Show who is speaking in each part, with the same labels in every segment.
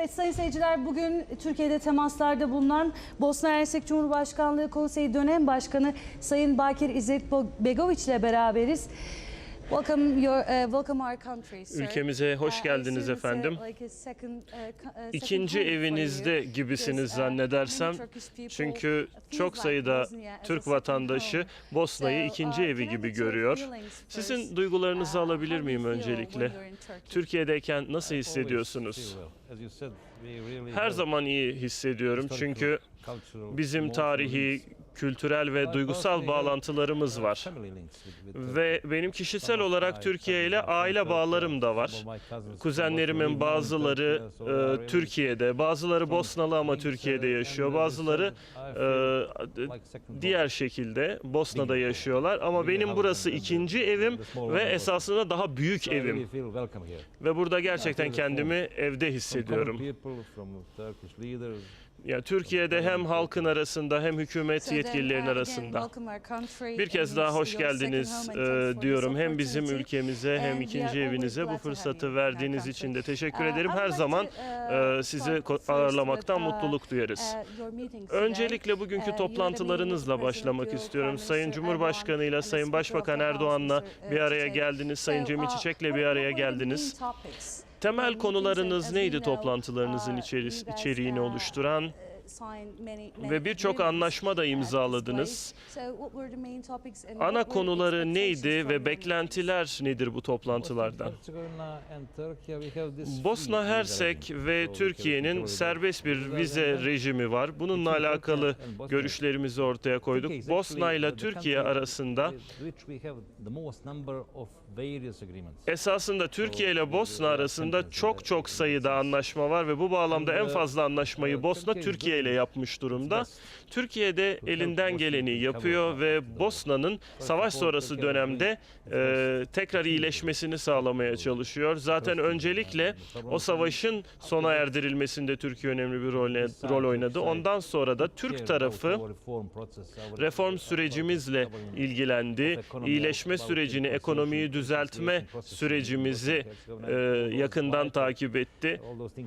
Speaker 1: Evet sayın seyirciler, bugün Türkiye'de temaslarda bulunan Bosna Hersek Cumhurbaşkanlığı Konseyi Dönem Başkanı Sayın Bakir İzzet Begoviç ile beraberiz. Welcome our country, sir.
Speaker 2: Ülkemize hoş geldiniz efendim. İkinci evinizde gibisiniz zannedersem. Çünkü çok sayıda Türk vatandaşı Bosna'yı ikinci evi gibi görüyor. Sizin duygularınızı alabilir miyim öncelikle? Türkiye'deyken nasıl hissediyorsunuz? Her zaman iyi hissediyorum çünkü bizim tarihi, kültürel ve duygusal bağlantılarımız var. Ve benim kişisel olarak Türkiye ile aile bağlarım da var. Kuzenlerimin bazıları Türkiye'de, bazıları Bosnalı ama Türkiye'de yaşıyor. Bazıları diğer şekilde Bosna'da yaşıyorlar. Ama benim burası ikinci evim ve esasında daha büyük evim. Ve burada gerçekten kendimi evde hissediyorum. Ya Türkiye'de hem halkın arasında hem hükümet yetkililerin arasında. Bir kez daha hoş geldiniz diyorum. Hem bizim ülkemize hem ikinci evinize bu fırsatı verdiğiniz için de teşekkür ederim. Her zaman sizi ağırlamaktan mutluluk duyarız. Öncelikle bugünkü toplantılarınızla başlamak istiyorum. Sayın Cumhurbaşkanı ile Sayın Başbakan Erdoğan'la bir araya geldiniz. Sayın Cemil Çiçek'le bir araya geldiniz. Temel konularınız neydi toplantılarınızın içeriğini oluşturan? Ve birçok anlaşma da imzaladınız. Ana konuları neydi ve beklentiler nedir bu toplantılardan? Bosna Hersek ve Türkiye'nin serbest bir vize rejimi var. Bununla alakalı görüşlerimizi ortaya koyduk. Bosna ile Türkiye arasında esasında Türkiye ile Bosna arasında çok sayıda anlaşma var ve bu bağlamda en fazla anlaşmayı Bosna Türkiye ile yapmış durumda. Türkiye de elinden geleni yapıyor ve Bosna'nın savaş sonrası dönemde tekrar iyileşmesini sağlamaya çalışıyor. Zaten öncelikle o savaşın sona erdirilmesinde Türkiye önemli bir rol oynadı. Ondan sonra da Türk tarafı reform sürecimizle ilgilendi. İyileşme sürecini, ekonomiyi düzeltme sürecimizi yakından takip etti.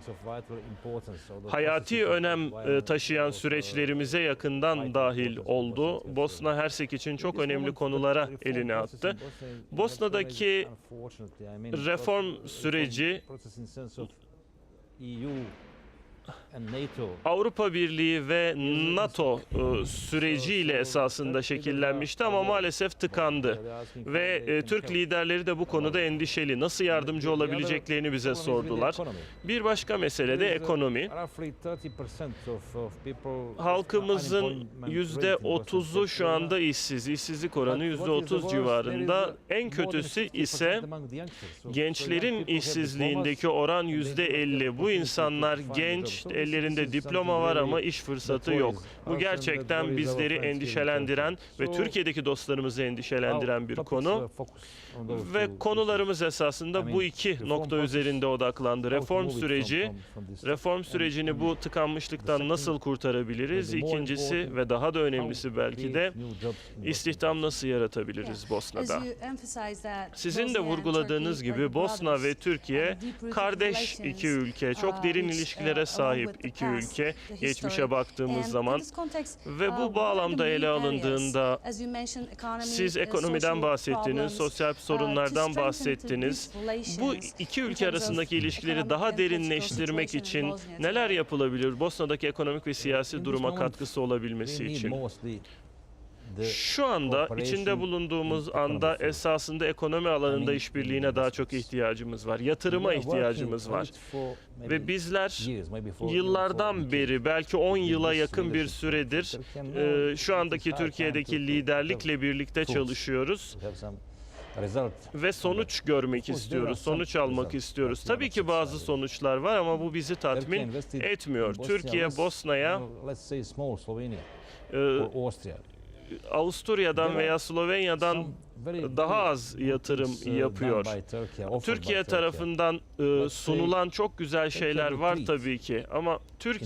Speaker 2: Hayati önem taşıyan süreçlerimize yakından dahil oldu. Bosna Hersek için çok önemli konulara elini attı. Bosna'daki reform süreci Avrupa Birliği ve NATO süreciyle esasında şekillenmişti ama maalesef tıkandı. Ve Türk liderleri de bu konuda endişeli. Nasıl yardımcı olabileceklerini bize sordular. Bir başka mesele de ekonomi. Halkımızın %30'u şu anda işsiz. İşsizlik oranı %30 civarında. En kötüsü ise gençlerin işsizliğindeki oran %50. Bu insanlar genç, ellerinde diploma var ama iş fırsatı yok. Bu gerçekten bizleri endişelendiren ve Türkiye'deki dostlarımızı endişelendiren bir konu. Ve konularımız esasında bu iki nokta üzerinde odaklandı. Reform sürecini bu tıkanmışlıktan nasıl kurtarabiliriz? İkincisi ve daha da önemlisi belki de istihdam nasıl yaratabiliriz Bosna'da? Sizin de vurguladığınız gibi Bosna ve Türkiye kardeş iki ülke, çok derin ilişkilere sahip iki ülke geçmişe baktığımız zaman ve bu bağlamda ele alındığında siz ekonomiden bahsettiniz, sosyal sorunlardan bahsettiniz. Bu iki ülke arasındaki ilişkileri daha derinleştirmek için neler yapılabilir? Bosna'daki ekonomik ve siyasi duruma katkısı olabilmesi için. Şu anda içinde bulunduğumuz anda esasında ekonomi alanında işbirliğine daha çok ihtiyacımız var. Yatırıma ihtiyacımız var. Ve bizler yıllardan beri belki 10 yıla yakın bir süredir şu andaki Türkiye'deki liderlikle birlikte çalışıyoruz. Ve sonuç görmek istiyoruz, sonuç almak istiyoruz. Tabii ki bazı sonuçlar var ama bu bizi tatmin etmiyor. Türkiye, Bosna'ya Avusturya'dan veya Slovenya'dan daha az yatırım yapıyor. Türkiye tarafından sunulan çok güzel şeyler var tabii ki ama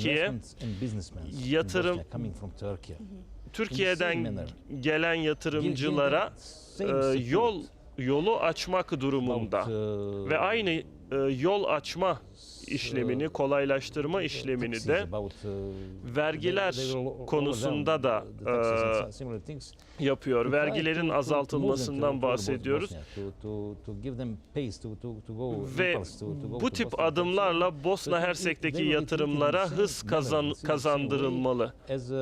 Speaker 2: Türkiye'den gelen yatırımcılara yolu açmak durumunda ve aynı yol açma işlemini, kolaylaştırma işlemini de vergiler konusunda da yapıyor. Vergilerin azaltılmasından bahsediyoruz. Ve bu tip adımlarla Bosna Hersek'teki yatırımlara hız kazandırılmalı.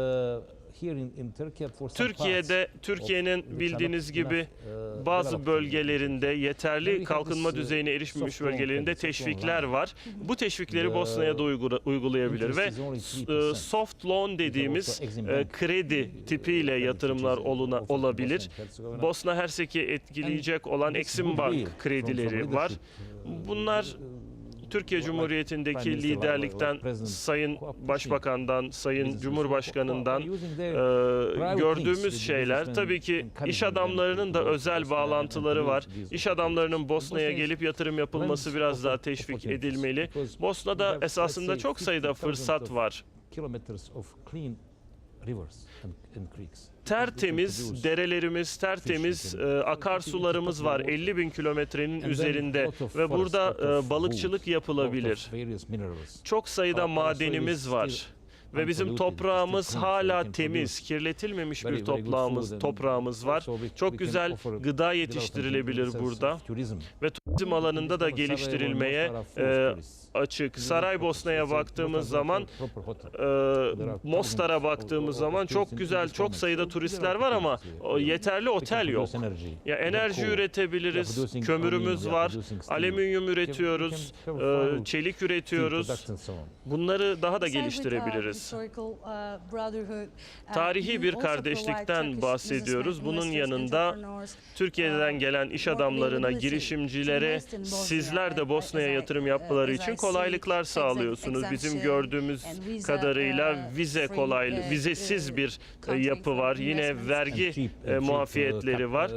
Speaker 2: Türkiye'nin bildiğiniz gibi bazı bölgelerinde yeterli kalkınma düzeyine erişmemiş bölgelerinde teşvikler var. Bu teşvikleri Bosna'ya da uygulayabilir ve soft loan dediğimiz kredi tipiyle yatırımlar olabilir. Bosna Hersek'i etkileyecek olan Exim Bank kredileri var. Bunlar Türkiye Cumhuriyeti'ndeki liderlikten, Sayın Başbakan'dan, Sayın Cumhurbaşkanı'ndan gördüğümüz şeyler. Tabii ki iş adamlarının da özel bağlantıları var. İş adamlarının Bosna'ya gelip yatırım yapılması biraz daha teşvik edilmeli. Bosna'da esasında çok sayıda fırsat var. Tertemiz derelerimiz, tertemiz akarsularımız var 50.000 kilometrenin üzerinde ve burada balıkçılık yapılabilir. Çok sayıda madenimiz var. Ve bizim toprağımız hala temiz, kirletilmemiş bir toprağımız var. Çok güzel gıda yetiştirilebilir burada ve turizm alanında da geliştirilmeye açık. Saraybosna'ya baktığımız zaman, Mostar'a baktığımız zaman çok güzel, çok sayıda turistler var ama yeterli otel yok. Ya enerji üretebiliriz, kömürümüz var, alüminyum üretiyoruz, çelik üretiyoruz. Bunları daha da geliştirebiliriz. Tarihi bir kardeşlikten bahsediyoruz. Bunun yanında Türkiye'den gelen iş adamlarına, girişimcilere sizler de Bosna'ya yatırım yapmaları için kolaylıklar sağlıyorsunuz. Bizim gördüğümüz kadarıyla vizesiz bir yapı var. Yine vergi muafiyetleri var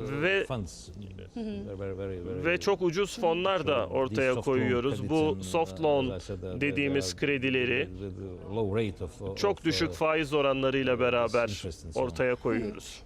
Speaker 2: ve çok ucuz fonlar da ortaya koyuyoruz. Bu soft loan dediğimiz kredileri çok düşük faiz oranlarıyla beraber ortaya koyuyoruz.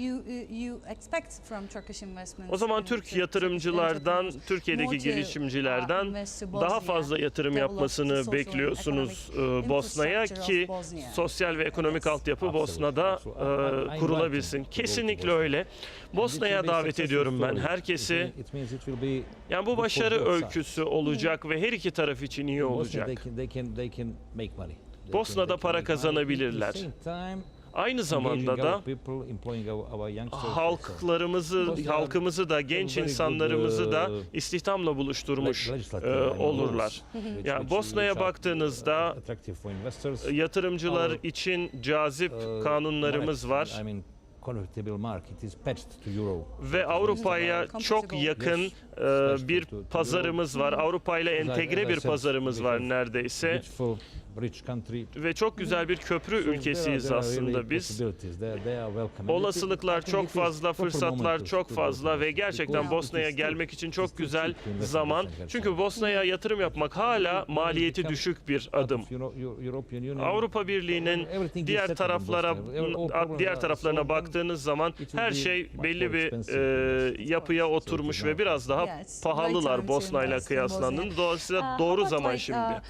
Speaker 2: O zaman Türk yatırımcılardan, Türkiye'deki girişimcilerden daha fazla yatırım yapmasını bekliyorsunuz Bosna'ya ki sosyal ve ekonomik altyapı Bosna'da kurulabilsin. Kesinlikle öyle. Bosna'ya davet ediyorum ben herkesi. Yani bu başarı öyküsü olacak ve her iki taraf için iyi olacak. Bosna'da para kazanabilirler. Aynı zamanda da halkımızı da, genç insanlarımızı da istihdamla buluşturmuş olurlar. Yani Bosna'ya baktığınızda yatırımcılar için cazip kanunlarımız var. Ve Avrupa'ya çok yakın bir pazarımız var. Avrupa ile entegre bir pazarımız var neredeyse. Ve çok güzel bir köprü ülkesiyiz aslında biz. Olasılıklar çok fazla, fırsatlar çok fazla ve gerçekten Bosna'ya gelmek için çok güzel zaman. Çünkü Bosna'ya yatırım yapmak hala maliyeti düşük bir adım. Avrupa Birliği'nin diğer taraflarına baktığınız zaman her şey belli bir yapıya oturmuş ve biraz daha pahalılar Bosna'yla kıyaslandığında. Dolayısıyla doğru zaman şimdi.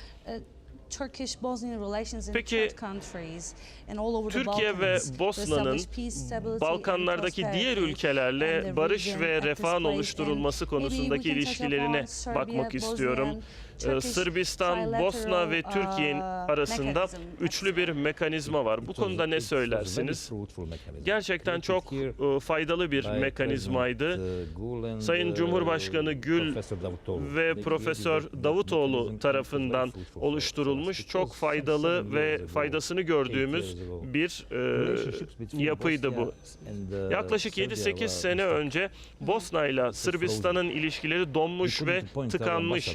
Speaker 2: Peki Türkiye ve Bosna'nın Balkanlardaki diğer ülkelerle barış ve refahın oluşturulması konusundaki ilişkilerine bakmak istiyorum. Sırbistan, Bosna ve Türkiye arasında üçlü bir mekanizma var. Bu konuda ne söylersiniz? Gerçekten çok faydalı bir mekanizmaydı. Sayın Cumhurbaşkanı Gül ve Profesör Davutoğlu tarafından oluşturulmuş çok faydalı ve faydasını gördüğümüz bir yapıydı bu. Yaklaşık 7-8 sene önce Bosna ile Sırbistan'ın ilişkileri donmuş ve tıkanmış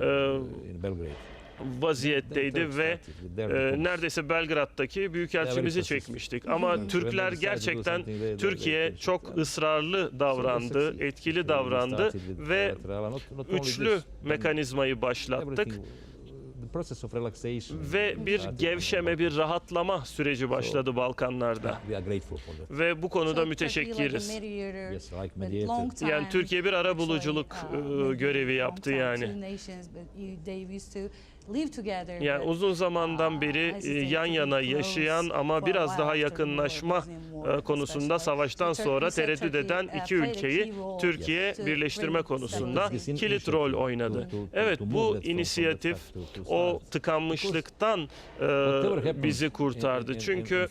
Speaker 2: vaziyetteydi ve neredeyse Belgrad'daki büyükelçimizi çekmiştik. Ama Türkler gerçekten Türkiye çok ısrarlı davrandı, etkili davrandı ve üçlü mekanizmayı başlattık. Ve bir gevşeme, bir rahatlama süreci başladı Balkanlarda. Ve bu konuda müteşekkiriz. Yani Türkiye bir arabuluculuk görevi yaptı yani. Yani uzun zamandan beri yan yana yaşayan ama biraz daha yakınlaşma konusunda savaştan sonra tereddüt eden iki ülkeyi Türkiye birleştirme konusunda kilit rol oynadı. Evet, bu inisiyatif o tıkanmışlıktan bizi kurtardı. Çünkü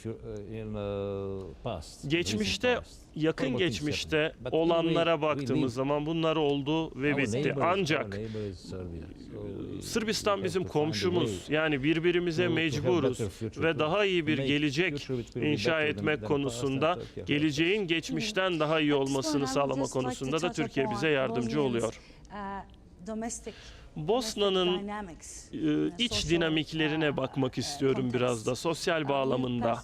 Speaker 2: geçmişte, yakın geçmişte olanlara baktığımız zaman bunlar oldu ve bitti. Ancak Sırbistan bizim komşumuz. Yani birbirimize mecburuz ve daha iyi bir gelecek inşa etmek konusunda, geleceğin geçmişten daha iyi olmasını sağlama konusunda da Türkiye bize yardımcı oluyor. Bosna'nın iç dinamiklerine bakmak istiyorum biraz da sosyal bağlamında.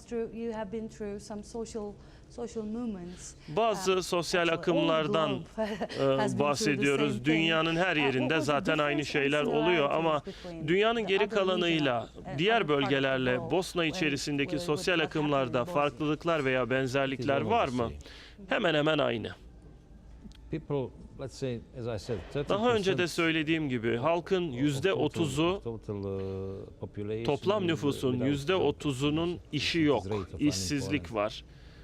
Speaker 2: Bazı sosyal akımlardan bahsediyoruz. Dünyanın her yerinde zaten aynı şeyler oluyor ama dünyanın geri kalanıyla, diğer bölgelerle Bosna içerisindeki sosyal akımlarda farklılıklar veya benzerlikler var mı? Hemen hemen aynı. Daha önce de söylediğim gibi halkın %30'u, toplam nüfusun %30'unun işi yok, işsizlik var.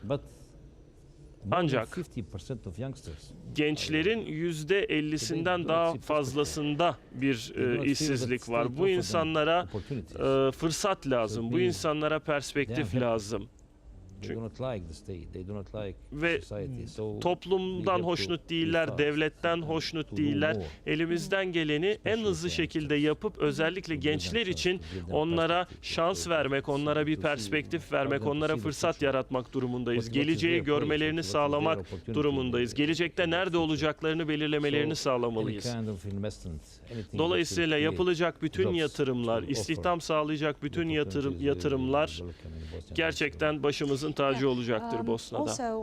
Speaker 2: Ancak gençlerin %50'sinden daha fazlasında bir işsizlik var. Bu insanlara fırsat lazım, bu insanlara perspektif lazım. Ve toplumdan hoşnut değiller, devletten hoşnut değiller. Elimizden geleni en hızlı şekilde yapıp özellikle gençler için onlara şans vermek, onlara bir perspektif vermek, onlara fırsat yaratmak durumundayız. Geleceği görmelerini sağlamak durumundayız. Gelecekte nerede olacaklarını belirlemelerini sağlamalıyız. Dolayısıyla yapılacak bütün yatırımlar, istihdam sağlayacak bütün yatırımlar gerçekten başımızın tacı olacaktır Bosna'da.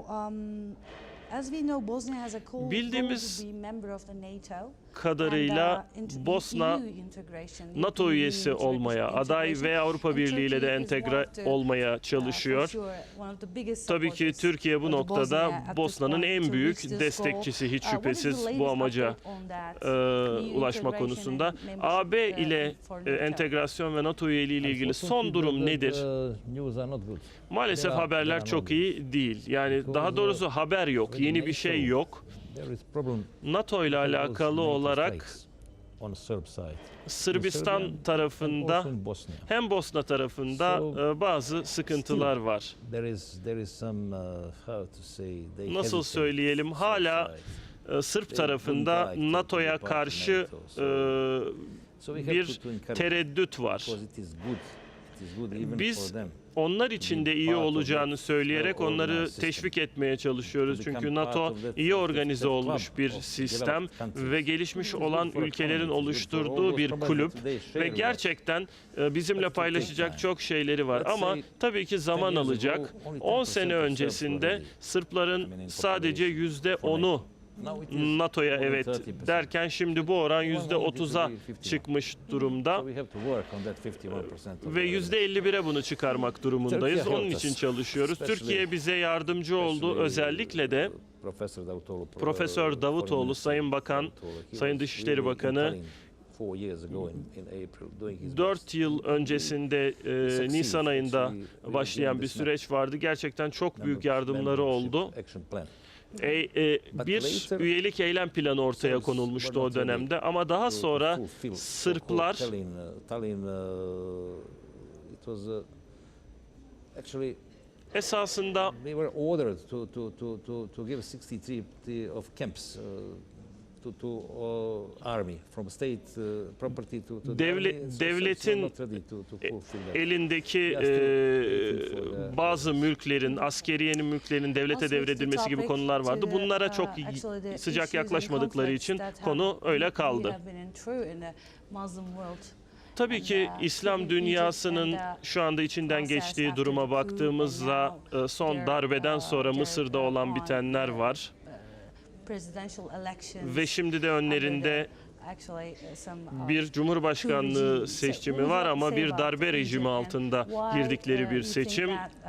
Speaker 2: Bildiğimiz kadarıyla Bosna NATO üyesi olmaya, aday ve Avrupa Birliği ile de entegre olmaya çalışıyor. Tabii ki Türkiye bu noktada Bosna'nın en büyük destekçisi, hiç şüphesiz bu amaca ulaşma konusunda. AB ile entegrasyon ve NATO üyeliği ile ilgili son durum nedir? Maalesef haberler çok iyi değil. Yani daha doğrusu haber yok, yeni bir şey yok. NATO ile alakalı olarak Sırbistan tarafında hem Bosna tarafında bazı sıkıntılar var. Nasıl söyleyelim? Hala Sırp tarafında NATO'ya karşı bir tereddüt var. Biz onlar için de iyi olacağını söyleyerek onları teşvik etmeye çalışıyoruz. Çünkü NATO iyi organize olmuş bir sistem ve gelişmiş olan ülkelerin oluşturduğu bir kulüp ve gerçekten bizimle paylaşacak çok şeyleri var. Ama tabii ki zaman alacak. 10 sene öncesinde Sırpların sadece %10'u NATO'ya evet derken şimdi bu oran %30'a çıkmış durumda ve %51'e bunu çıkarmak durumundayız. Onun için çalışıyoruz. Türkiye bize yardımcı oldu. Özellikle de Profesör Davutoğlu, Sayın Bakan, Sayın Dışişleri Bakanı 4 yıl öncesinde Nisan ayında başlayan bir süreç vardı. Gerçekten çok büyük yardımları oldu. Bir üyelik eylem planı ortaya konulmuştu o dönemde ama daha sonra Sırplar esasında devletin elindeki bazı mülklerin, askeriyenin mülklerinin devlete devredilmesi gibi konular vardı. Bunlara çok sıcak yaklaşmadıkları için konu öyle kaldı. Tabii ki İslam dünyasının şu anda içinden geçtiği duruma baktığımızda son darbeden sonra Mısır'da olan bitenler var. Ve şimdi de önlerinde bir cumhurbaşkanlığı seçimi var ama bir darbe rejimi altında girdikleri bir seçim.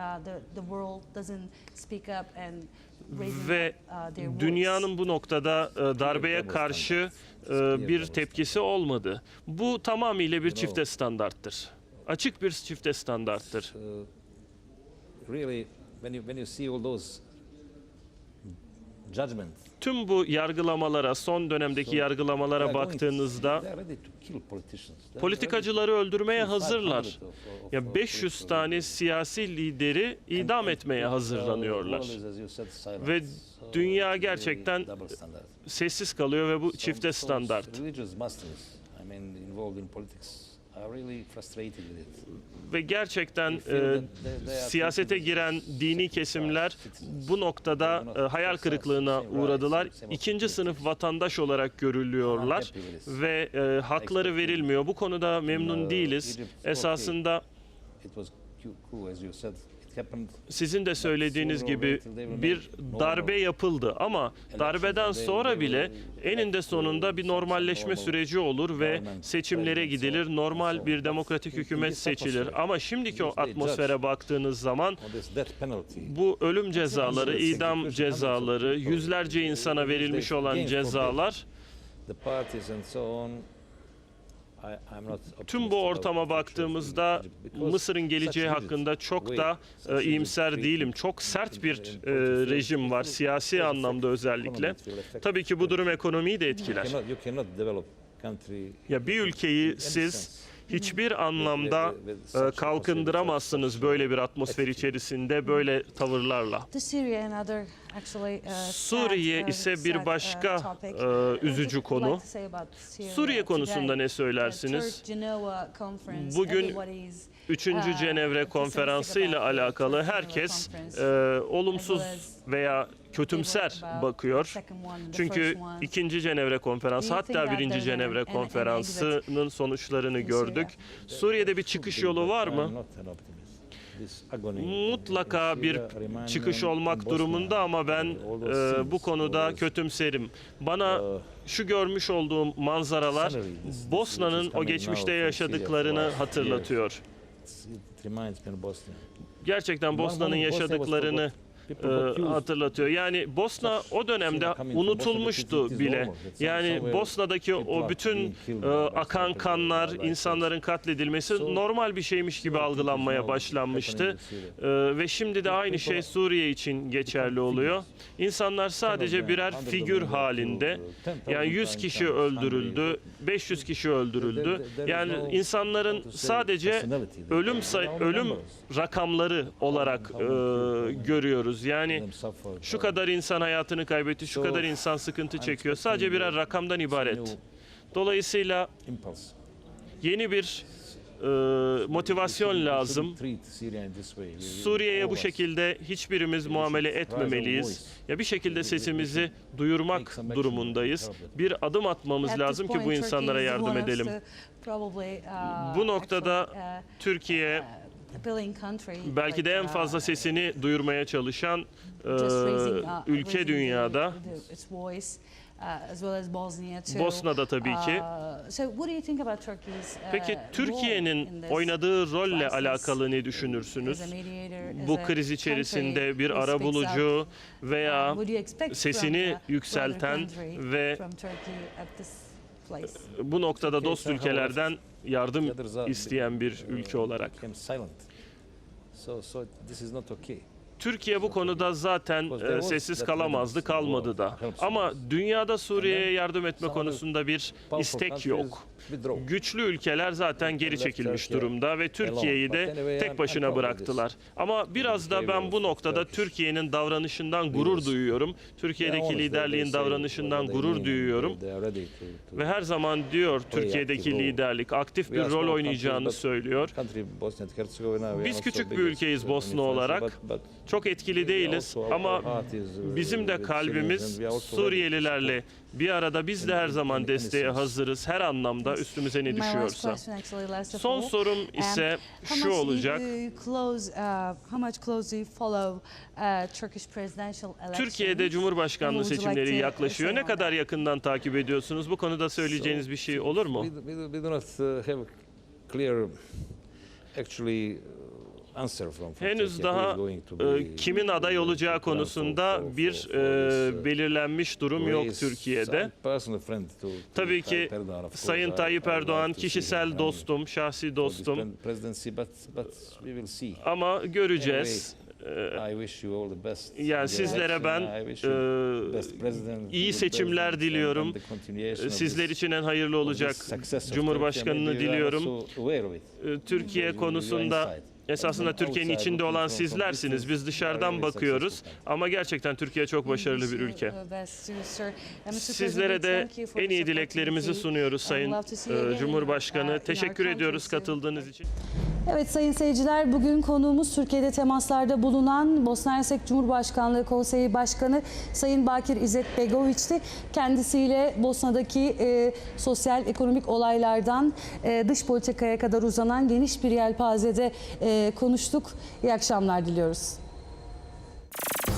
Speaker 2: Ve dünyanın bu noktada darbeye karşı bir tepkisi olmadı. Bu tamamıyla bir çifte standarttır. Açık bir çifte standarttır.
Speaker 3: Really, when you see all those judgments,
Speaker 2: Tüm bu yargılamalara, son dönemdeki yargılamalara baktığınızda politikacıları öldürmeye hazırlar. Ya 500 tane siyasi lideri idam etmeye hazırlanıyorlar. Ve dünya gerçekten sessiz kalıyor ve bu çifte standart. Ve gerçekten siyasete giren dini kesimler bu noktada hayal kırıklığına uğradılar. İkinci sınıf vatandaş olarak görülüyorlar ve hakları verilmiyor. Bu konuda memnun değiliz. Esasında sizin de söylediğiniz gibi bir darbe yapıldı ama darbeden sonra bile eninde sonunda bir normalleşme süreci olur ve seçimlere gidilir, normal bir demokratik hükümet seçilir. Ama şimdiki o atmosfere baktığınız zaman bu ölüm cezaları, idam cezaları, yüzlerce insana verilmiş olan cezalar, tüm bu ortama baktığımızda Mısır'ın geleceği hakkında çok da iyimser değilim. Çok sert bir rejim var, siyasi anlamda özellikle. Tabii ki bu durum ekonomiyi de etkiler. Ya bir ülkeyi siz hiçbir anlamda kalkındıramazsınız böyle bir atmosfer içerisinde, böyle tavırlarla. Suriye ise bir başka üzücü konu. Suriye konusunda ne söylersiniz? Bugün 3. Cenevre Konferansı ile alakalı herkes olumsuz veya kötümser bakıyor. Çünkü 2. Cenevre Konferansı, hatta 1. Cenevre Konferansı'nın sonuçlarını gördük. Suriye'de bir çıkış yolu var mı? Mutlaka bir çıkış olmak durumunda ama ben bu konuda kötümserim. Bana şu görmüş olduğum manzaralar Bosna'nın o geçmişte yaşadıklarını hatırlatıyor. Gerçekten Bosna'nın yaşadıklarını hatırlatıyor. Yani Bosna o dönemde unutulmuştu bile. Yani Bosna'daki o bütün akan kanlar, insanların katledilmesi normal bir şeymiş gibi algılanmaya başlanmıştı. Ve şimdi de aynı şey Suriye için geçerli oluyor. İnsanlar sadece birer figür halinde. Yani 100 kişi öldürüldü, 500 kişi öldürüldü. Yani insanların sadece ölüm rakamları olarak görüyoruz. Yani şu kadar insan hayatını kaybetti, şu kadar insan sıkıntı çekiyor. Sadece birer rakamdan ibaret. Dolayısıyla yeni bir motivasyon lazım. Suriye'ye bu şekilde hiçbirimiz muamele etmemeliyiz. Ya bir şekilde sesimizi duyurmak durumundayız. Bir adım atmamız lazım ki bu insanlara yardım edelim. Bu noktada Türkiye belki de en fazla sesini duyurmaya çalışan ülke dünyada. Bosna'da tabii ki. Peki Türkiye'nin oynadığı rolle alakalı ne düşünürsünüz? Bu kriz içerisinde bir arabulucu veya sesini yükselten ve bu noktada dost ülkelerden yardım isteyen bir ülke olarak. Türkiye bu konuda zaten sessiz kalamazdı, kalmadı da. Ama dünyada Suriye'ye yardım etme konusunda bir istek yok. Güçlü ülkeler zaten geri çekilmiş durumda ve Türkiye'yi de tek başına bıraktılar. Ama biraz da ben bu noktada Türkiye'nin davranışından gurur duyuyorum. Türkiye'deki liderliğin davranışından gurur duyuyorum. Ve her zaman diyor Türkiye'deki liderlik aktif bir rol oynayacağını söylüyor. Biz küçük bir ülkeyiz Bosna olarak. Çok etkili değiliz ama bizim de kalbimiz Suriyelilerle bir arada, biz de her zaman desteğe hazırız her anlamda.
Speaker 1: Yes.
Speaker 2: üstümüze ne
Speaker 1: My last
Speaker 2: düşüyorsa.
Speaker 1: question actually, last of
Speaker 2: Son
Speaker 1: all.
Speaker 2: sorum ise
Speaker 1: How
Speaker 2: şu
Speaker 1: much
Speaker 2: olacak.
Speaker 1: how much close do you follow Turkish presidential elections?
Speaker 2: Türkiye'de Cumhurbaşkanlığı
Speaker 1: And would you like
Speaker 2: seçimleri
Speaker 1: to
Speaker 2: yaklaşıyor.
Speaker 1: say
Speaker 2: Ne
Speaker 1: on
Speaker 2: kadar
Speaker 1: that?
Speaker 2: yakından takip ediyorsunuz? Bu konuda söyleyeceğiniz bir şey olur mu?
Speaker 3: We do not have clear, actually, answer from
Speaker 2: Henüz
Speaker 3: Turkey.
Speaker 2: daha
Speaker 3: Who is going to be
Speaker 2: kimin aday olacağı
Speaker 3: the plan
Speaker 2: konusunda
Speaker 3: for
Speaker 2: bir
Speaker 3: this,
Speaker 2: belirlenmiş durum yok
Speaker 3: race.
Speaker 2: Türkiye'de.
Speaker 3: I'm personal friend to
Speaker 2: Tabii ki
Speaker 3: Tayyip Erdoğan, of course.
Speaker 2: Sayın Tayyip
Speaker 3: I would
Speaker 2: Erdoğan
Speaker 3: like to see him
Speaker 2: kişisel
Speaker 3: coming
Speaker 2: dostum, şahsi
Speaker 3: for this
Speaker 2: dostum
Speaker 3: presidency, but we will see.
Speaker 2: ama göreceğiz.
Speaker 3: I wish you all the best.
Speaker 2: Yani
Speaker 3: in the
Speaker 2: sizlere
Speaker 3: election.
Speaker 2: ben
Speaker 3: I wish you best president,
Speaker 2: iyi
Speaker 3: good
Speaker 2: seçimler
Speaker 3: president,
Speaker 2: diliyorum.
Speaker 3: and the continuation of
Speaker 2: Sizler
Speaker 3: this-
Speaker 2: için en hayırlı
Speaker 3: of
Speaker 2: olacak
Speaker 3: this success of
Speaker 2: Cumhurbaşkanını
Speaker 3: Turkey. Maybe you are
Speaker 2: diliyorum.
Speaker 3: also aware of it.
Speaker 2: Türkiye
Speaker 3: You are
Speaker 2: konusunda
Speaker 3: inside.
Speaker 2: esasında Türkiye'nin içinde olan sizlersiniz. Biz dışarıdan bakıyoruz ama gerçekten Türkiye çok başarılı bir ülke. Sizlere de en iyi dileklerimizi sunuyoruz Sayın Cumhurbaşkanı. Teşekkür ediyoruz katıldığınız için.
Speaker 1: Evet sayın seyirciler, bugün konuğumuz Türkiye'de temaslarda bulunan Bosna Hersek Cumhurbaşkanlığı Konseyi Başkanı Sayın Bakir İzzet Begoviç'ti. Kendisiyle Bosna'daki sosyal ekonomik olaylardan dış politikaya kadar uzanan geniş bir yelpazede konuştuk. İyi akşamlar diliyoruz.